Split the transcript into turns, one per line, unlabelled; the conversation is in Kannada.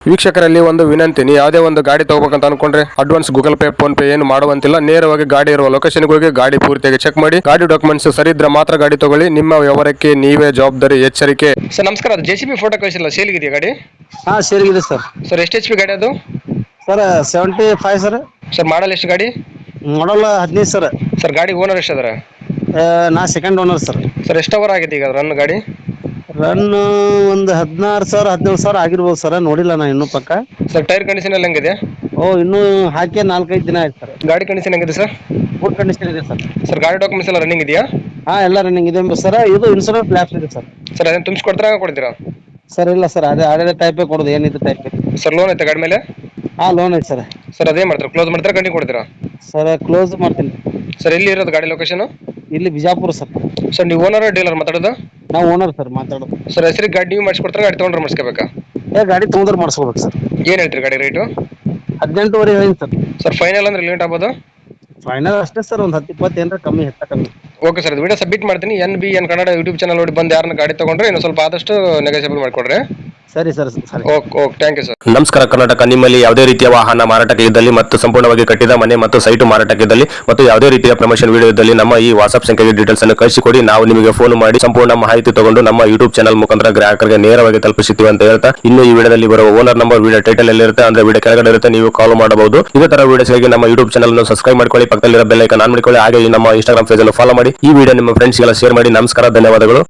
ವೀಕ್ಷಕರಲ್ಲಿ ಒಂದು ವಿನಂತಿ, ನೀವು ಯಾವುದೇ ಒಂದು ಗಾಡಿ ತಗೋಬೇಕಂತ ಅನ್ಕೊಂಡ್ರೆ advance Google Pay PhonePe ಏನು ಮಾಡುವಂತಿಲ್ಲ. ನೇರವಾಗಿ ಗಾಡಿ ಇರುವ ಲೊಕೇಶನ್ಗೆ ಹೋಗಿ ಗಾಡಿ ಪೂರ್ತಿಯಾಗಿ ಚೆಕ್ ಮಾಡಿ, ಗಾಡಿ ಡಾಕ್ಯುಮೆಂಟ್ಸ್ ಸರಿ ಇದ್ರೆ ಮಾತ್ರ ಗಾಡಿ ತಗೊಳ್ಳಿ. ನಿಮ್ಮ ವ್ಯವಹಾರಕ್ಕೆ ನೀವೇ ಜವಾಬ್ದಾರಿ. ಎಚ್ಚರಿಕೆ. ಸರ್ ನಮಸ್ಕಾರ, ಅದು JCB ಫೋಟೋ ಕಳಿಸಿಲ್ಲ, ಸೇಲ್ಗಿದೆಯಾ ಗಾಡಿ?
ಹಾ ಸೇರಿಗಿದೆ ಸರ್.
ಸರ್ ಎಷ್ಟು HP ಗಾಡಿ ಅದು?
Sir 75 sir.
ಸರ್ ಮಾಡಲ್ ಎಷ್ಟು ಗಾಡಿ?
Model 15 sir.
ಸರ್ ಗಾಡಿ ಓನರ್ ಎಷ್ಟು ಅದರ?
ನಾ ಸೆಕೆಂಡ್ ಓನರ್ ಸರ್.
ಸರ್ ಎಷ್ಟು ಅವರ್ ಆಗಿದೆ ಈಗ ರನ್ ಗಾಡಿ?
ರನ್ ಒಂದು 16,000 17,000 ಆಗಿರ್ಬೋದು ಸರ್, ನೋಡಿಲ್ಲ ನಾ ಇನ್ನೂ ಪಕ್ಕ.
ಸರ್ ಟೈರ್ ಕಂಡೀಷನ್ ಎಲ್ಲ ಹೆಂಗಿದೆ?
ಇನ್ನೂ ಹಾಕಿ 4-5 ದಿನ ಆಯ್ತು ಸರ್.
ಗಾಡಿ ಕಂಡೀಷನ್ ಹೆಂಗಿದೆ ಸರ್?
ಗುಡ್ ಕಂಡೀಷನ್ ಇದೆ ಸರ್.
ಸರ್ ಗಾಡಿ ಡಾಕ್ಯುಮೆಂಟ್ಸ್ ಎಲ್ಲ ರನ್ನಿಂಗ್ ಇದೆಯಾ?
ಹಾ ಎಲ್ಲ ರನ್ನಿಂಗ್ ಇದೆ ಸರ್. ಇದು ಇನ್ಸೂರೆನ್ಸ್ ಲ್ಯಾಪ್ಸ್ ಇದೆ ಸರ್.
ಸರ್ ಅದನ್ನು ತುಂಬಿಸ್ಕೊಡ್ತೀರಾ ಕೊಡ್ತೀರಾ?
ಸರ್ ಇಲ್ಲ ಸರ್, ಅದೇ ಟೈಪೇ ಕೊಡೋದು, ಏನಿದೆ ಟೈಪ್.
ಸರ್ ಲೋನ್ ಐತೆ ಗಾಡಿ ಮೇಲೆ?
ಹಾ ಲೋನ್ ಐತೆ ಸರ್.
ಸರ್ ಅದೇ ಮಾಡ್ತಾರೆ, ಕ್ಲೋಸ್ ಮಾಡ್ತಾರೆ, ಕಂಟಿನ್ಯೂ ಕೊಡ್ತೀರಾ?
ಸರ್ ಕ್ಲೋಸ್ ಮಾಡ್ತೀನಿ.
ಸರ್ ಎಲ್ಲಿ ಇರೋದು ಗಾಡಿ ಲೊಕೇಶನ್?
ಇಲ್ಲಿ ಬಿಜಾಪುರ ಸರ್.
ಸರ್ ನೀವು ಓನರ್ ಡೀಲರ್ ಮಾತಾಡೋದು?
ನಾವು ಓನರ್ ಸರ್ ಮಾತಾಡೋದು.
ಸರ್ ಹೆಸರಿಗೆ ಗಾಡಿ ನೀವು ಮಾಡಿಸ್ಕೊಡ್ತಾರೆ, ಗಾಡಿ ತೊಗೊಂಡ್ರೆ ಮಾಡಿಸ್ಕೋಬೇಕಾ?
ಗಾಡಿ ತೊಗೊಂಡ್ರೆ ಮಾಡಿಸ್ಕೋಬೇಕು ಸರ್.
ಏನು ಹೇಳ್ತೀರಿ ಗಾಡಿ ರೇಟು?
18,500 ಹೇಳಿನಿ ಸರ್.
ಸರ್ ಫೈನಲ್ ಅಂದ್ರೆ ಲಿಮಿಟ್ ಆಗ್ಬೋದು?
ಫೈನಲ್ ಅಷ್ಟೇ ಸರ್, ಒಂದು 10-20 ಏನಾರ ಕಮ್ಮಿ, ಕಮ್ಮಿ.
ಓಕೆ ಸರ್, ವಿಡಿಯೋ ಸಬ್ಮಿಟ್ ಮಾಡ್ತೀನಿ. NBN ಕನ್ನಡ ಯೂಟ್ಯೂಬ್ ಚಾನಲ್ ನೋಡಿ ಬಂದು ಯಾರನ್ನ ಗಾಡಿ ತಗೊಂಡ್ರೆ ಇನ್ನೂ ಸ್ವಲ್ಪ ಆದಷ್ಟು ನೆಗೋಸಿಯಬಲ್ ಮಾಡಿಕೊಡ್ರಿ.
ಸರಿ ಸರ್, ಸರಿ.
Okay thank you sir.
ನಮಸ್ಕಾರ ಕರ್ನಾಟಕ. ನಿಮ್ಮಲ್ಲಿ ಯಾವುದೇ ರೀತಿಯ ವಾಹನ ಮಾರಾಟಕ್ಕೆ ಇದ್ದಲ್ಲಿ ಮತ್ತು ಸಂಪೂರ್ಣವಾಗಿ ಕಟ್ಟಿದ ಮನೆ ಮತ್ತು ಸೈಟು ಮಾರಾಟಕ್ಕೆ ಇದ್ದಲ್ಲಿ ಮತ್ತು ಯಾವುದೇ ರೀತಿಯ ಪ್ರಮೋಷನ್ ವಿಡಿಯೋ ಇದ್ದಲ್ಲಿ ನಮ್ಮ ಈ ವಾಟ್ಸ್ಆಪ್ ಸಂಖ್ಯೆಗೆ ಡೀಟೇಲ್ಸ್ ಅನ್ನು ಕಳಿಸಿಕೊಡಿ. ನಾವು ನಿಮಗೆ ಫೋನ್ ಮಾಡಿ ಸಂಪೂರ್ಣ ಮಾಹಿತಿ ತಗೊಂಡು ನಮ್ಮ ಯೂಟ್ಯೂಬ್ ಚಾನಲ್ ಮುಖಾಂತರ ಗ್ರಾಹಕರಿಗೆ ನೇರವಾಗಿ ತಲುಪಿಸುತ್ತೀವಿ ಅಂತ ಹೇಳ್ತಾ, ಇನ್ನು ಈ ವಿಡಿಯೋದಲ್ಲಿ ಬರುವ ಓನರ್ ನಂಬರ್ ವಿಡಿಯೋ ಟೈಟಲ್ ಎಲ್ಲಿರುತ್ತೆ ಅಂದ್ರೆ ವಿಡಿಯೋ ಕೆಳಗಡೆ ಇರುತ್ತೆ, ನೀವು ಕಾಲ್ ಮಾಡಬಹುದು. ಇದೇ ತರ ವಿಡಿಯೋಸ್ಗಾಗಿ ನಮ್ಮ ಯೂಟ್ಯೂಬ್ ಚಾನಲ್ ಅನ್ನು ಸಬ್ಸ್ಕ್ರೈಬ್ ಮಾಡ್ಕೊಳ್ಳಿ, ಪಕ್ಕದಲ್ಲಿರೋ ಬೆಲ್ ಐಕಾನ್ ಆನ್ ಮಾಡಿಕೊಳ್ಳಿ, ಹಾಗೆ ನಮ್ಮ ಇನ್ಸ್ಟಾಗ್ರಾಮ್ ಪೇಜ್ ಅನ್ನು ಫಾಲೋ ಮಾಡಿ. ಈ ವಿಡಿಯೋ ನಿಮ್ಮ ಫ್ರೆಂಡ್ಸ್ಗೆಲ್ಲ ಶೇರ್ ಮಾಡಿ. ನಮಸ್ಕಾರ, ಧನ್ಯವಾದಗಳು.